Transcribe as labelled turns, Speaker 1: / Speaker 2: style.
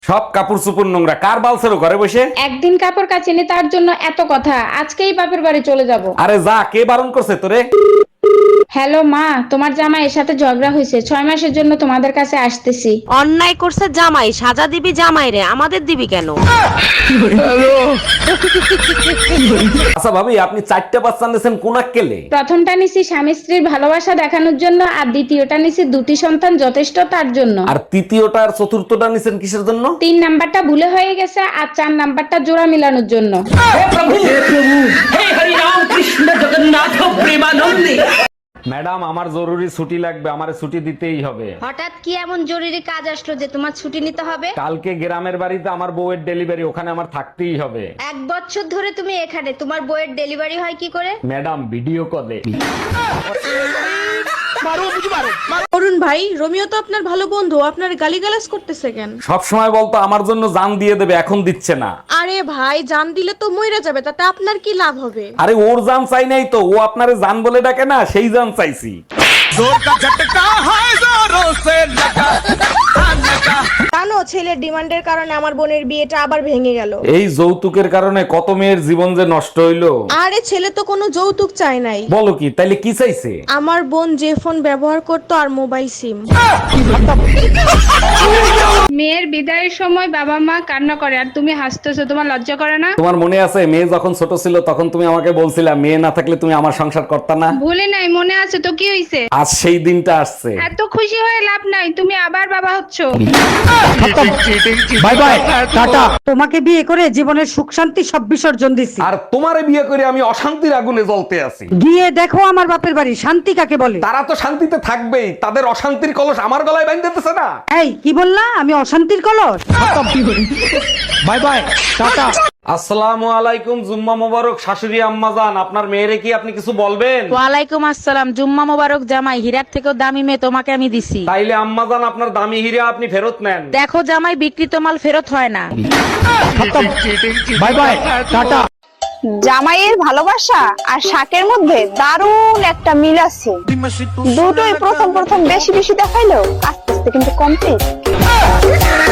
Speaker 1: সব কাপড় চোপড় নোংরা, কার বালছেরো ঘরে বসে?
Speaker 2: একদিন কাপড় কাচিনি তার জন্য এত কথা, আজকেই বাপের বাড়ি চলে যাব।
Speaker 1: আরে যা, কে বারণ করছে তোরে?
Speaker 2: হ্যালো মা, তোমার জামাই এর সাথে ঝগড়া হয়েছে, 6 মাসের জন্য তোমাদের কাছে আসতেছি।
Speaker 3: অন্যায় করছে জামাই, সাজা দিবি জামাই রে, আমাদের দিবি কেন?
Speaker 1: আচ্ছা ভাবি, আপনি 4টা বাচ্চা নিয়েছেন কোন আক্কেলে?
Speaker 2: প্রথমটা নিছি স্বামী স্ত্রীর ভালোবাসা দেখানোর জন্য, আর দ্বিতীয়টা নিছি দুটি সন্তান যথেষ্ট তার জন্য।
Speaker 1: আর তৃতীয়টা আর চতুর্থটা নিছেন কিসের জন্য?
Speaker 2: 3 নাম্বারটা ভুলে হয়ে গেছে, আর 4 নাম্বারটা জোড়া মিলানোর জন্য।
Speaker 1: ম্যাডাম, আমার জরুরি ছুটি লাগবে, আমারে ছুটি দিতেই হবে।
Speaker 3: হঠাৎ কি এমন জরুরি কাজ আসলো যে তোমার ছুটি নিতে হবে?
Speaker 1: কালকে গ্রামের বাড়িতে আমার বউয়ের ডেলিভারি, ওখানে আমার থাকতেই হবে।
Speaker 3: 1 বছর ধরে তুমি এখানে, তোমার বইয়ের ডেলিভারি হয় কি করে?
Speaker 1: ম্যাডাম, ভিডিও কলে।
Speaker 4: অরুণ ভাই, রোমিও তো আপনার ভালো বন্ধু, আপনার গালিগালাজ করতেছে কেন?
Speaker 1: সব সময় বলতো আমার জন্য জান দিয়ে দেবে, এখন দিচ্ছে না।
Speaker 4: আরে ভাই, জান দিলে তো মইরা যাবে, তাতে আপনার কি লাভ হবে?
Speaker 1: আরে ওর জান চাই নাই তো, ও আপনারে জান বলে ডাকে না, সেই জান চাইছি।
Speaker 4: জানো, ছেলের ডিমান্ডের কারণে আমার বোনের বিয়েটা আবার ভেঙে গেল।
Speaker 1: এই যৌতুকের কারণে কত মেয়ের জীবন যে নষ্ট হইলো।
Speaker 4: আরে ছেলে তো কোনো যৌতুক চায় নাই।
Speaker 1: বলো কি, তাইলে কি চাইছে?
Speaker 4: আমার বোন যে ফোন ব্যবহার করতো আর মোবাইল সিম।
Speaker 2: মেয়ের বিদায়ের সময় বাবা মা কান্না করে আর তুমি হাসতেছো, তোমার লজ্জা করে না?
Speaker 1: তোমার মনে আছে মেয়ে যখন ছোট ছিল তখন তুমি আমাকে বলছিলা মেয়ে না থাকলে তুমি আমার সংসার করতা না?
Speaker 2: ভুলে নাই, মনে আছে তো, কি হইছে?
Speaker 1: আজ সেই দিনটা আসছে।
Speaker 2: এত খুশি হয়ে লাভ নাই, তুমি আবার বাবা হচ্ছো।
Speaker 1: By bye, tata.
Speaker 5: তোমাকে বিয়ে করে জীবনের সুখ শান্তি সব বিসর্জন দিছি।
Speaker 1: আর তোমারে বিয়ে করে আমি অশান্তির আগুনে জ্বলতে আছি।
Speaker 5: গিয়ে দেখো আমার বাপের বাড়ি, শান্তি কাকে বলে।
Speaker 1: তারা তো শান্তিতে থাকবেই, তাদের অশান্তির কলস আমার গলায় বাঁধতেছে না।
Speaker 5: এই কি বললা? আমি অশান্তির কলস?
Speaker 1: Bye bye, tata. আসসালামু আলাইকুম, জুম্মা মোবারক। শাশুড়ি আম্মা জান, আপনার মেয়েরে কি আপনি কিছু বলবেন?
Speaker 3: ওয়ালাইকুম আসসালাম। জুম্মা মোবারক জামাই, হীরার থেকেও দামি মেয়ে তোমাকে আমি দিছি।
Speaker 1: তাইলে আম্মা জান, আপনার দামি হীরা আপনি ফেরত নেন।
Speaker 3: দেখো জামাই, বিক্রিত মাল ফেরত হয় না।
Speaker 1: Bye bye, tata.
Speaker 6: জামাইয়ের ভালোবাসা আর শাকের মধ্যে দারুণ একটা মিল আছে। দুটোই প্রথম প্রথম বেশি বেশি দেখাইলেও আস্তে আস্তে কিন্তু কমপ্লিট।